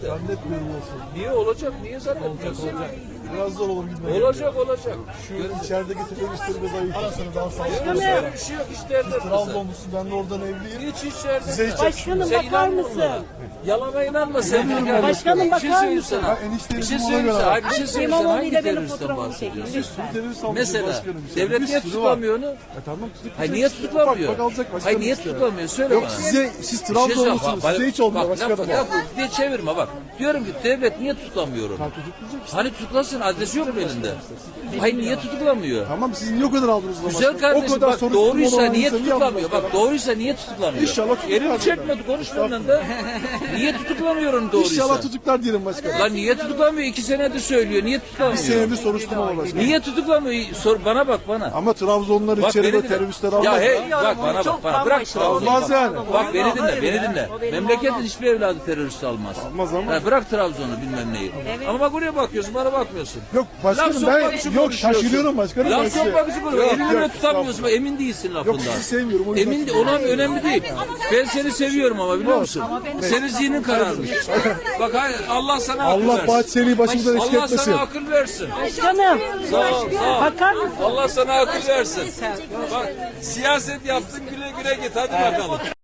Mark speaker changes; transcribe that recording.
Speaker 1: Zannetmiyorum olsun.
Speaker 2: Niye olacak? Niye zannetmiyorsun?
Speaker 1: Biraz zor olur gitmeye.
Speaker 2: Olacak.
Speaker 1: Şu içerideki teröristleri zayıf. Arasını daha sağlıklı.
Speaker 2: Öyle bir şey yok işte.
Speaker 1: Trabzonlusun, ben de oradan evliyim.
Speaker 2: Hiç içeride.
Speaker 1: Size hiç
Speaker 3: Başkanım
Speaker 2: Sen
Speaker 3: bakar
Speaker 2: inanma
Speaker 3: mısın?
Speaker 2: bunlara. Yalana inanma sen.
Speaker 3: Başkanım
Speaker 2: Bir şey
Speaker 3: bakar
Speaker 2: söyleyeyim
Speaker 3: mısın?
Speaker 2: sana.
Speaker 1: enişteyim,
Speaker 2: Bir şey
Speaker 1: ona
Speaker 2: söyleyeyim
Speaker 1: göre.
Speaker 2: sana. Hayır, bir şey söyleyeyim sana.
Speaker 3: İmamoğlu
Speaker 2: Hangi
Speaker 3: ile benim
Speaker 2: teröristten
Speaker 3: fotoğrafımı çekin.
Speaker 2: bahsediyorsun?
Speaker 1: Terörist almış
Speaker 2: Mesela
Speaker 1: başkanım.
Speaker 2: devlet niye tutuklamıyor onu?
Speaker 1: Tamam tutuklayacak.
Speaker 2: Hayır niye tutuklamıyor?
Speaker 1: Bak alacak başkanım
Speaker 2: Hayır niye
Speaker 1: işte.
Speaker 2: tutuklamıyor? Söyle
Speaker 1: Yok
Speaker 2: bana.
Speaker 1: siz Trabzonlusunuz. Size hiç olmuyor başkanım.
Speaker 2: Bak diye çevirme bak. Diyorum ki devlet niye tutuklamıyor onu? Hani tutuklasın, adresi yok mu elinde? Hayır niye tutuklamıyor?
Speaker 1: Tamam siz niye o kadar aldınız o zaman?
Speaker 2: Güzel kardeşim
Speaker 1: O kadar
Speaker 2: bak
Speaker 1: soruşturma
Speaker 2: doğruysa
Speaker 1: olan
Speaker 2: niye
Speaker 1: insanı
Speaker 2: tutuklamıyor?
Speaker 1: yapmaz.
Speaker 2: Bak doğruysa niye tutuklamıyor?
Speaker 1: İnşallah tutuklar.
Speaker 2: Elini çekmedi konuş benden de. Niye tutuklamıyor onu doğruysa?
Speaker 1: İnşallah tutuklar diyelim başkanım.
Speaker 2: Lan niye tutuklamıyor? 2 senedir söylüyor. Niye tutuklamıyor?
Speaker 1: Bir senedir soruşturma var başkanım.
Speaker 2: Niye tutuklamıyor? Sor bana bak bana.
Speaker 1: Ama Trabzonlular
Speaker 2: Bak
Speaker 1: içeride
Speaker 2: beni dinle.
Speaker 1: teröristler
Speaker 2: Ya
Speaker 1: almaz.
Speaker 2: hey bak bana bırak Trabzon'u.
Speaker 1: Almaz yani.
Speaker 2: Bak beni dinle. Memleketin hiçbir evladı terörist almaz.
Speaker 1: Almaz ama.
Speaker 2: Ha, bırak Trabzon'u bilmem neyi. Ama bak oraya bakıyorsun bana bakmıyorsun.
Speaker 1: Yok başkanım
Speaker 2: Laf
Speaker 1: ben
Speaker 2: sokmak için
Speaker 1: yok
Speaker 2: konuşuyorsun.
Speaker 1: şaşırıyorum başkanım. ben
Speaker 2: Laf
Speaker 1: size.
Speaker 2: sokmak için konuşuyorsun.
Speaker 1: Yok,
Speaker 2: Elini bile
Speaker 1: yok,
Speaker 2: tutamıyorsun. Bak, emin değilsin lafından.
Speaker 1: Yok sizi sevmiyorum. O yüzden
Speaker 2: Emin ona önemli değil. Ben seni seviyorum ama biliyor musun? Senin zihnin kararmış. Bak hayır, Allah sana akıl
Speaker 1: Allah
Speaker 2: versin.
Speaker 1: Bahçeli'yi başımızdan eksik
Speaker 2: Allah
Speaker 1: etmesin.
Speaker 2: sana akıl versin.
Speaker 3: Başkanım.
Speaker 2: Sağ ol.
Speaker 3: Bakar mısın?
Speaker 2: Allah sana akıl versin. Bak siyaset yaptın güle güle git hadi bakalım.